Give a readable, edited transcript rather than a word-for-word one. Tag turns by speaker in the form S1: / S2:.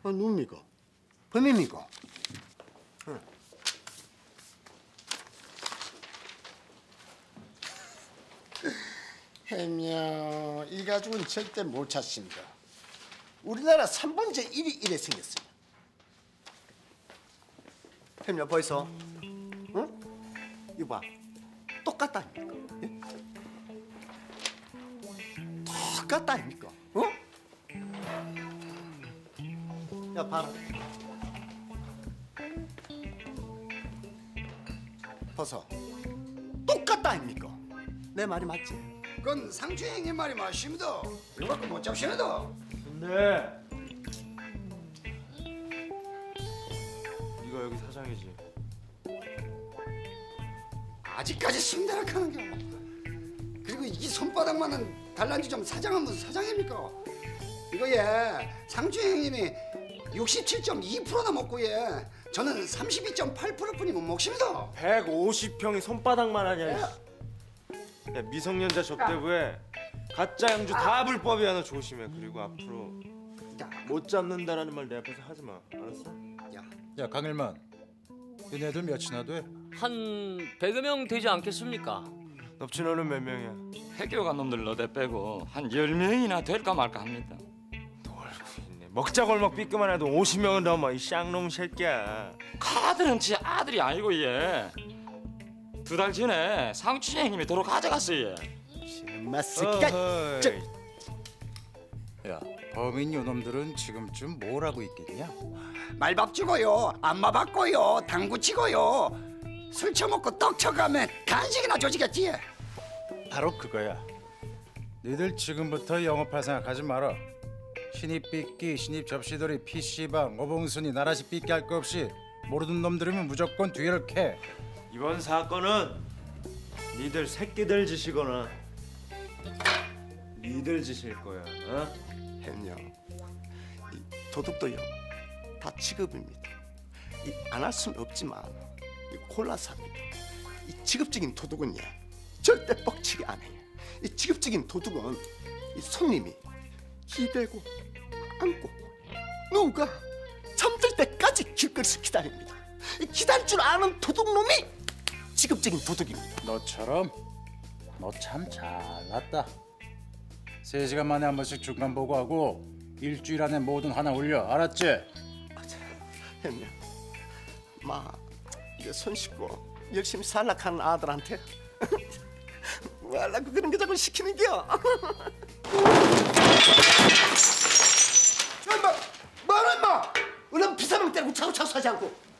S1: 누굽니까? 범입니까? 해명 이 가죽은 절대 못 찾습니다. 우리나라 3번째 일이 이래 생겼어요. 해명 벌써? 응? 이거 봐. 똑같다 아닙니까? 예? 똑같다 아닙니까? 어? 야 봐라. 벗어. 똑같다 아닙니까? 내 말이 맞지?
S2: 그건 상주행의 말이 맞습니다. 이거 갖고 못 잡시다.
S3: 근데 네가 여기 사장이지?
S2: 아직까지 순대락하는 게. 그리고 이 손바닥만한 달란지 좀 사장은 무슨 사장입니까? 이거 상주행님이 67.2%나 먹고 저는 32.8%뿐이면 먹습니다.
S3: 150평이 손바닥만 하냐? 야, 미성년자 접대부에 가짜 양주 다 불법이야. 너 조심해. 그리고 앞으로 못 잡는다라는 말 내 앞에서 하지 마. 알았어?
S4: 야 강일만, 얘네들 몇이나 돼?
S5: 한 100여 명 되지 않겠습니까?
S3: 넙치너는 몇 명이야?
S6: 해교간 놈들 너대 빼고 한 10명이나 될까 말까 합니다.
S3: 놀고 있네. 먹자골목 삐끄만 해도 50명은 넘어. 이 쌍놈 새끼야.
S6: 카드는 지 아들이 아니고 얘. 2달 전에 상춘형님이 도로 가져갔어요.
S1: 엄마 새끼가.
S4: 야 범인 요놈들은 지금쯤 뭘 하고 있겠냐?
S2: 말밥 주고요, 안마 받고요, 당구 치고요, 술 처먹고 떡 쳐가면 간식이나 조지겠지.
S4: 바로 그거야. 너희들 지금부터 영업할 생각하지 마라. 신입 삐끼, 신입 접시돌이, PC방, 어봉순이, 나라시 삐끼 할 거 없이 모르는 놈들이면 무조건 뒤를 캐.
S3: 이번 사건은 니들 새끼들 짓이거나 니들 짓일 거야. 어?
S1: 해명 이 도둑도요 다 직업입니다. 안 할 수는 없지만 골라서 합니다. 이 직업적인 도둑은요 절대 뻑치기 안 해요. 이 직업적인 도둑은 이 손님이 기대고 안고 누가 잠들 때까지 길거리에서 기다립니다. 이 기다릴 줄 아는 도둑놈이 직업적인 도둑입니다.
S4: 너처럼? 너 참 잘났다. 3시간 만에 한 번씩 중간 보고하고 일주일 안에 뭐든 하나 올려. 알았지?
S1: 형님, 이거 손 씻고 열심히 살락하는 아들한테 뭐 하려고 그런 거 자꾸 시키는겨? 임마! 뭐라 임마! 얼른 비사람 때리고 차고차고 사지 않고